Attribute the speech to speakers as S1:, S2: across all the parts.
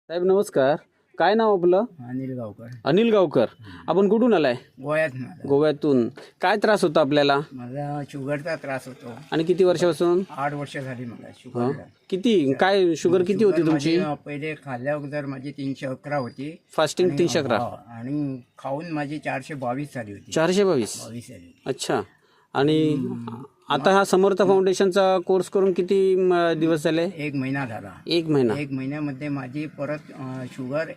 S1: साहेब नमस्कार. काय नाव आपलं?
S2: अनिल गावकर.
S1: अनिल गावकर. आपण कुठून आलाय?
S2: गोव्यात.
S1: गोव्यातून. काय त्रास होता आपल्याला
S2: मला शुगरचा त्रास होतो.
S1: आणि किती वर्षापासून?
S2: 8 वर्ष झाली मला शुगर.
S1: किती काय शुगर किती होती तुमची?
S2: पहिले खाल्ल्या अगोदर माझी 311 होती.
S1: फास्टिंग 311
S2: आणि खाऊन माझी 422 झाली होती.
S1: 422.
S2: 22 झाली.
S1: अच्छा. आणि आता हा समर्थ फाउंडेशनचा कोर्स करून किती दिवस झाले?
S2: 1 महिना झाला.
S1: 1 महिना.
S2: 1 महिन्यामध्ये माझी परत शुगर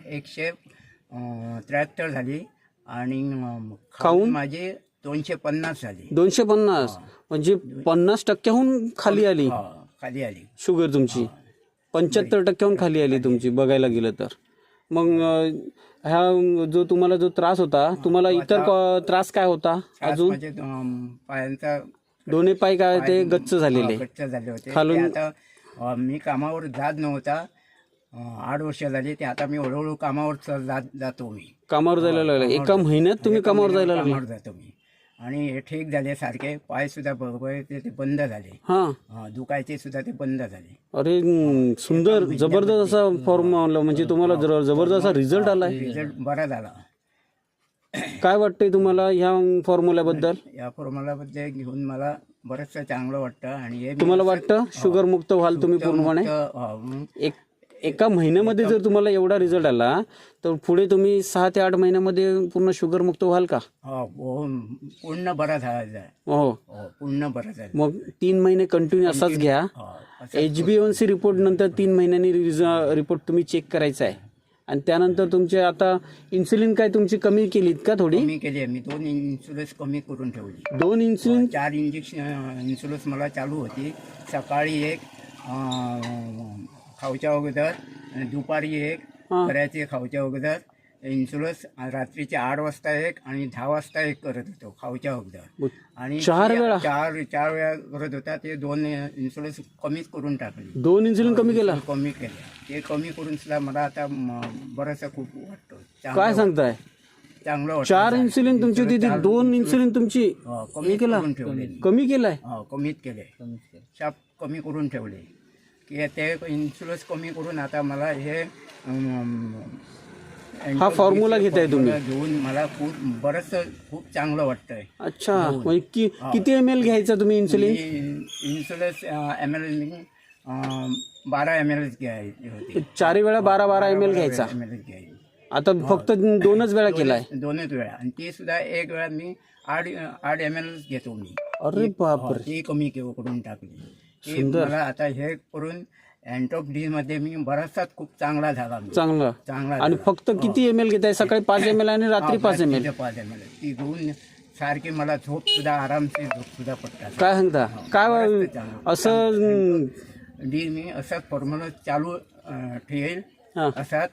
S2: 173 झाली आणि खाऊन माझी 250 झाली.
S1: 250 म्हणजे 50% खाली आली
S2: खाली आली
S1: शुगर तुमची. 75% खाली आली तुमची बघायला गेलं तर. मग ह्या जो तुम्हाला जो त्रास होता, तुम्हाला इतर त्रास काय होता अजून?
S2: माझे पायांचा
S1: दोन्ही पाय काय ते गच्च झालेले
S2: गच्च झाले होते.
S1: खालून.
S2: ते आता मी कामावर जात नव्हता. 8 वर्ष झाली. ते आता मी हळूहळू कामावर जातो. मी
S1: कामावर जायला लागला. एका महिन्यात तुम्ही कामावर जायला लागला?
S2: कामावर जातो मी. आणि हे ठीक झाले सारखे. पाय सुद्धा बरोबर ते बंद झाले.
S1: हा.
S2: दुखायचे सुद्धा ते बंद झाले.
S1: अरे सुंदर जबरदस्त असा फॉर्म्युला, म्हणजे तुम्हाला जबरदस्त असा रिझल्ट आलाय.
S2: रिझल्ट बरा झाला.
S1: काय वाटतंय तुम्हाला ह्या फॉर्म्युल्याबद्दल?
S2: या फॉर्म्युलाबद्दल घेऊन मला बरंचसं चांगलं वाटतं. आणि हे
S1: तुम्हाला वाटतं शुगर मुक्त व्हाल तुम्ही पूर्णपणे? एका महिन्यामध्ये जर तुम्हाला एवढा रिझल्ट आला तर पुढे तुम्ही 6 ते 8 महिन्यामध्ये पूर्ण शुगर मुक्त व्हाल का?
S2: पूर्ण बरा झाला.
S1: हो,
S2: पूर्ण बरा झाला.
S1: मग 3 महिने कंटिन्यू असाच घ्या. HbA1c रिपोर्ट नंतर 3 महिन्यांनी रिपोर्ट तुम्ही चेक करायचा आहे. आणि त्यानंतर तुमचे आता इन्सुलिन काय तुमची कमी केलीत का? थोडी
S2: कमी केली. मी 2 इन्सुलिन कमी करून ठेवली.
S1: 2 इन्सुलिन?
S2: 4 इन्सुलिन मला चालू होती. सकाळी 1 खाऊच्या अगोदर, दुपारी 1 करायचे खाऊच्या अगोदर इन्सुलिन. रात्रीचे 8 वाजता 1 आणि 10 वाजता 1 करत होतो खाऊच्या अगोदर. आणि
S1: 4 वेळा?
S2: 4 वेळा करत होता. ते 2 इन्सुलिन कमीच करून टाकले.
S1: 2 इन्सुलिन कमी केला?
S2: कमी केले. ते कमी करून सुद्धा मला आता बरंचसं खूप वाटतं.
S1: काय सांगताय?
S2: चांगलं वाटतं.
S1: 4 इन्सुलिन तुमची होती, 2 इन्सुलिन तुमची
S2: कमी करून ठेवले.
S1: कमी केलाय?
S2: कमीत केले. शाप कमी करून ठेवले की ते इन्सुलिन कमी करून आता मला हे
S1: हा फॉर्म्युला घेताय तुम्ही?
S2: घेऊन मला खूप चांगलं वाटतंय.
S1: अच्छा. म्हणजे किती ml घ्यायचा तुम्ही इन्सुलिन?
S2: इन्सुलिन ml 12 ml घ्यायचे होते.
S1: 4 वेळा 12 ml घ्यायचा. आता फक्त 2च वेळा केलाय?
S2: 2च वेळा. आणि ते सुद्धा 1 वेळा मी 8 ml घेतो मी.
S1: अरे बापरे.
S2: ते कमी करून टाकले. मला आता हे करून अँटॉप डी मध्ये मी बराचसा खूप चांगला झाला. चांगला.
S1: आणि फक्त किती ml घेताय? सकाळी 5 ml आणि रात्री 5 ml?
S2: 5 ml. ती घेऊन सारखी मला झोप सुद्धा आरामशीर झोप सुद्धा पडतात.
S1: काय सांगता? काय असं
S2: डी मी असाच फॉर्म्युला चालू ठेवेल. असाच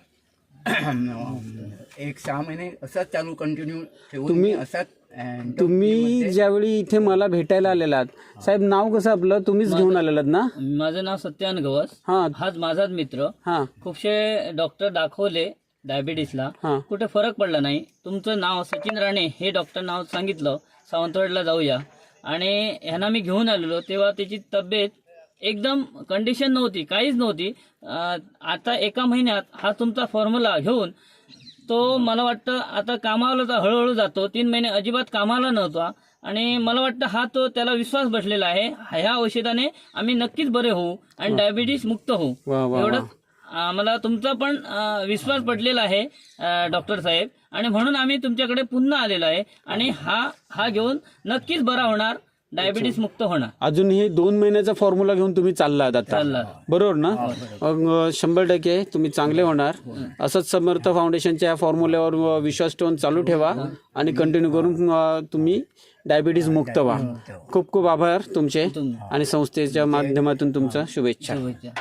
S2: 1-6 महिने असाच चालू कंटिन्यू ठेवून मी असाच.
S1: तुम्ही ज्यावेळी इथे मला भेटायला आलेलात, साहेब नाव कसं आपलं? तुम्हीच घेऊन आलेलात ना?
S3: माझं नाव सत्यान गवस. हाच माझाच मित्र. खूपशे डॉक्टर दाखवले डायबिटीसला, कुठे फरक पडला नाही. तुमचं नाव सचिन राणे हे डॉक्टर नाव सांगितलं, सावंतवाडीला जाऊया. आणि ह्यांना मी घेऊन आलेलो तेव्हा त्याची तब्येत एकदम कंडिशन नव्हती, काहीच नव्हती. आता एका महिन्यात हा तुमचा फॉर्म्युला घेऊन तो मला वाटतं आता कामाला तर हळूहळू जातो. 3 महिने अजिबात कामाला नव्हता. आणि मला वाटतं हा तो त्याला विश्वास बसलेला आहे. ह्या औषधाने आम्ही नक्कीच बरे होऊ आणि डायबिटीस मुक्त होऊ. एवढं मला तुमचा पण विश्वास पडलेला आहे डॉक्टर साहेब. आणि म्हणून आम्ही तुमच्याकडे पुन्हा आलेलो आहे. आणि हा घेऊन नक्कीच बरा होणार, डायबिटीस मुक्त होणार.
S1: अजून हे 2 महिन्याचा फॉर्म्युला घेऊन तुम्ही चाललात आता, बरोबर ना? 100% तुम्ही चांगले होणार. असंच समर्थ फाउंडेशनच्या फॉर्म्युल्यावर विश्वास ठेवून चालू ठेवा आणि कंटिन्यू करून तुम्ही डायबिटीस मुक्त व्हा. खूप खूप आभार तुमचे आणि संस्थेच्या माध्यमातून तुमचं शुभेच्छा.